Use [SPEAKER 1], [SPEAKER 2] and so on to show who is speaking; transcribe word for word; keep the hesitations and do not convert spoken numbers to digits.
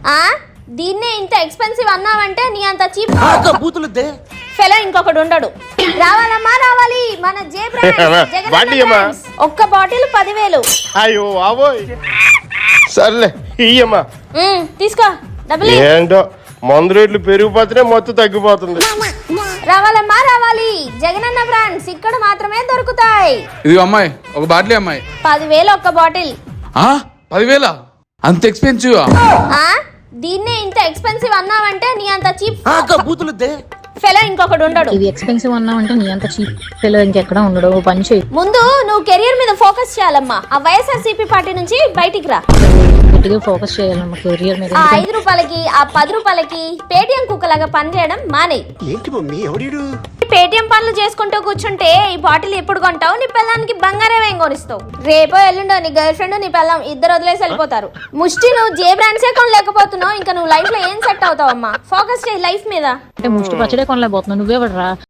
[SPEAKER 1] ఆ దీన్నే ఇంత ఎక్స్పెన్సివ్ అన్నావంటే నీ అంత చీప్
[SPEAKER 2] బూతులుద్దే
[SPEAKER 1] ఫెలో ఇంకొకడు ఉండడు. రావాలమ్మా రావాలి మన జే బ్రాండ్
[SPEAKER 3] బాటిల్ ఇయ్యమ్మా.
[SPEAKER 1] ఒక్క బాటిల్ పదివేలు.
[SPEAKER 3] అయ్యో అవోయ్ సర్లే ఇయ్యమ్మా.
[SPEAKER 1] ఉమ్, తీసుకో డబ్బులు.
[SPEAKER 3] ఏంటో మందు రేట్లు పెరిగిపోతేనే మొత్తం తగ్గిపోతుంది.
[SPEAKER 1] రావాలమ్మా రావాలి జగనన్న బ్రాండ్స్ ఇక్కడ మాత్రమే దొరుకుతాయి.
[SPEAKER 2] ఇది అమ్మాయి ఒక బాటిల్ అమ్మాయి
[SPEAKER 1] పదివేలు ఒక్క బాటిల్.
[SPEAKER 2] ఆ పదివేల అంత ఎక్స్పెన్సివ్
[SPEAKER 1] ఆ దీన్నే ఇంత ఎక్స్పెన్సివ్ అన్నావంటే నీ అంత చీప్
[SPEAKER 2] బూతులుద్దే
[SPEAKER 1] ఫెలో ఇంకొకడు ఉండడు.
[SPEAKER 4] ఇది ఎక్స్పెన్సివ్ అన్నావంటే నీ అంత చీప్ ఫెలో ఇంకెక్కడ ఉండడు. పని చేయి,
[SPEAKER 1] ముందు నువ్వు కెరియర్ మీద ఫోకస్ చేయాలమ్మా. ఆ వైఎస్ఆర్సీపీ పార్టీ నుంచి బయటికి రా.
[SPEAKER 4] గట్టిగా ఫోకస్ చేయాలమ్మా కెరియర్ మీద.
[SPEAKER 1] ఆ ఐదు రూపాయలకి ఆ పది రూపాయలకి పేటిఎం కుక్కలాగా పని చేయడం మానే.
[SPEAKER 5] ఏంటి మమ్మీ ఎవడీడు?
[SPEAKER 1] పేటిఎం పనులు చేసుకుంటూ కూర్చుంటే ఈ బాటిల్ ఎప్పుడు కొంటావు? నీ పిల్లానికి బంగారం ఏం కొనిస్తావు? రేపో ఎల్లుండో నీ గర్ల్ ఫ్రెండ్ నీ పిల్లం ఇద్దరు వదిలేసి వెళ్ళిపోతారు. ముష్టి నువ్వు జే బ్రాండ్సే కొనలేకపోతున్నావు, ఇంకా నువ్వు లైఫ్ లో ఏం సెట్ అవుతావమ్మా? ఫోకస్ చేయి లైఫ్ మీద.
[SPEAKER 4] అంటే ముష్టి పచ్చడే కొనలేకపోతున్నావు, నువ్వే పడరా.